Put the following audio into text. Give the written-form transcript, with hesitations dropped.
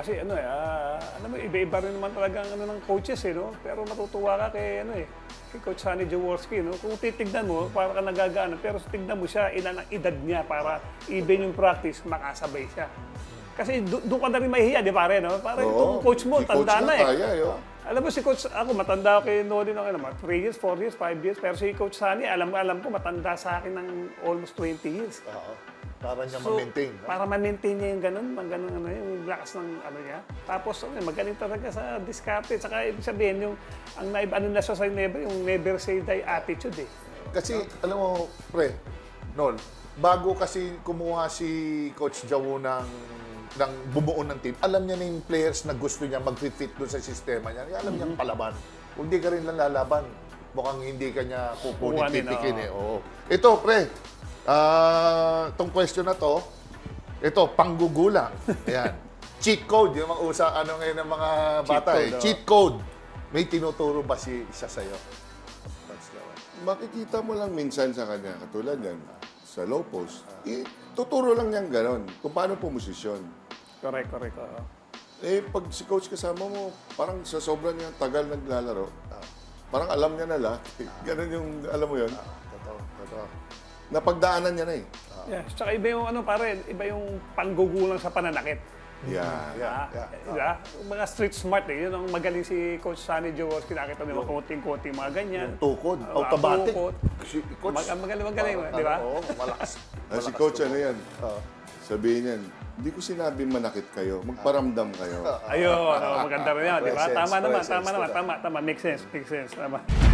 Kasi ano alam mo, iba-iba rin naman talaga ang ano ng coaches no? Pero matutuwa ka kay kay Coach Sonny Jaworski, no? Kung titignan mo, para ka nagagana, pero tignan mo siya, ilan ang edad niya para even yung practice, makasabay siya. Kasi doon ka na rin mahihiya, di pare, no? Para itong coach mo, si tanda coach na eh. kaya, Alam mo si Coach, ako matanda ako kay Noli ng 3 years, 4 years, 5 years, pero si Coach Sonny, alam ko matanda sa akin ng almost 20 years. Oo. Para niya ma-maintain. No? Para ma-maintain niya yung ganun, yung lakas ng niya. Tapos magaling talaga sa diskarte. Saka ibig sabihin, yung ano na siya sa yung never say die attitude eh. Kasi, alam mo, pre, Nol, bago kasi kumuha si Coach Jawo ng bumuo ng team, alam niya na yung players na gusto niya mag-fit doon sa sistema niya. Alam niyang palaban. Kung hindi ka rin lang lalaban, mukhang hindi ka niya kukunin, titikin eh. Oo. Ito, pre, itong question na to, ito, panggugulang. Ayan. Cheat code, yung mga ngayon ng mga bata eh. Cheat code. May tinuturo ba isa sa'yo? Makikita mo lang minsan sa kanya, katulad yan, sa low post, tuturo lang niyang ganon kung paano pumosisyon. Correct. Eh, pag si coach kasama mo, parang sa sobrang niyang tagal naglalaro, parang alam niya na lahat. Ganon yung, alam mo yun? Totoo. Napagdaanan niya na eh. Yeah, tsaka iba yung iba yung panggugulang sa pananakit. Yeah. Diba? Mga street smart eh. Yun ang magaling si Coach Sonny Jaworski. Nakita mo yung konting-konting mga ganyan. Tukod, automatic. Si Coach, magaling, di ba? Oo, malakas. Si coach, ano yan? Sabihin yan, hindi ko sinabi manakit kayo, magparamdam kayo. Ayun, maganda rin yan, di ba? Presence, Tama naman. Make sense. Tama.